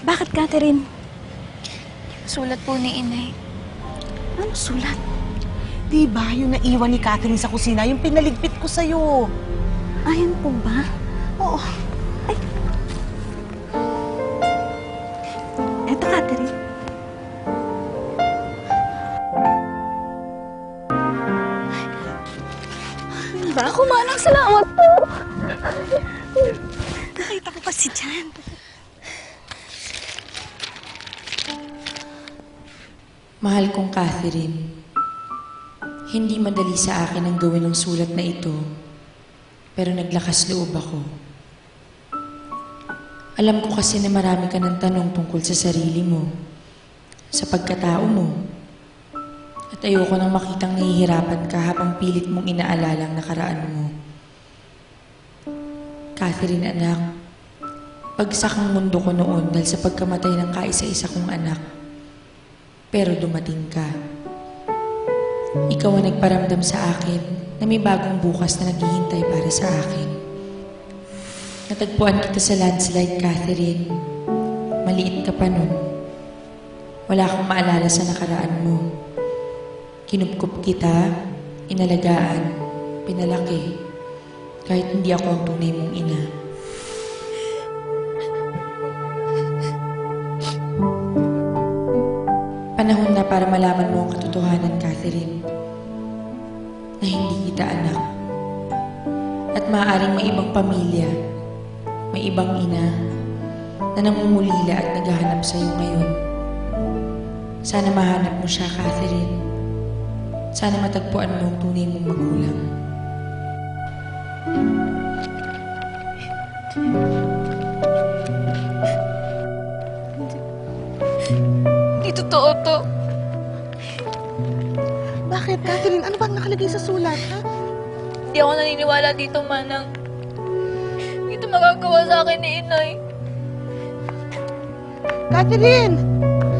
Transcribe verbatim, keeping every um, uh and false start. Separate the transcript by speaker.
Speaker 1: Bakit, Catherine?
Speaker 2: Sulat po ni Inay.
Speaker 1: Ano sulat?
Speaker 3: Di ba yung naiwan ni Catherine sa kusina, yung pinaligpit ko sa'yo?
Speaker 1: Ayan po ba?
Speaker 3: Oo.
Speaker 1: Ay. Eto, Catherine.
Speaker 2: Ba, kumanang salamat po.
Speaker 1: Nakita ko kasi dyan.
Speaker 4: Mahal kong Catherine, hindi madali sa akin ang gawin ng sulat na ito, pero naglakas loob ako. Alam ko kasi na marami ka ng tanong tungkol sa sarili mo, sa pagkatao mo, at ayoko nang makitang nahihirapan ka habang pilit mong inaalala ang nakaraan mo. Catherine, anak, bagsak ang mundo ko noon dahil sa pagkamatay ng kaisa-isa kong anak. Pero dumating ka. Ikaw ang nagparamdam sa akin na may bagong bukas na naghihintay para sa akin. Natagpuan kita sa landslide, Catherine. Maliit ka pa nun. Wala kang maalala sa nakaraan mo. Kinupkup kita, inalagaan, pinalaki, kahit hindi ako ang tunay mong ina. Panahon na para malaman mo ang katotohanan, Catherine, na hindi kita anak. At maaaring may ibang pamilya, may ibang ina, na namumulila at naghahanap sa iyo ngayon. Sana mahanap mo siya, Catherine. Sana matagpuan mo ang tunay mong magulang.
Speaker 2: Di totoo to.
Speaker 3: Bakit, Catherine? Ano bang nakalagay sa sulat, ha?
Speaker 2: Di ako naniniwala dito, Manang. Dito magagawa sa akin ni Inay.
Speaker 3: Catherine!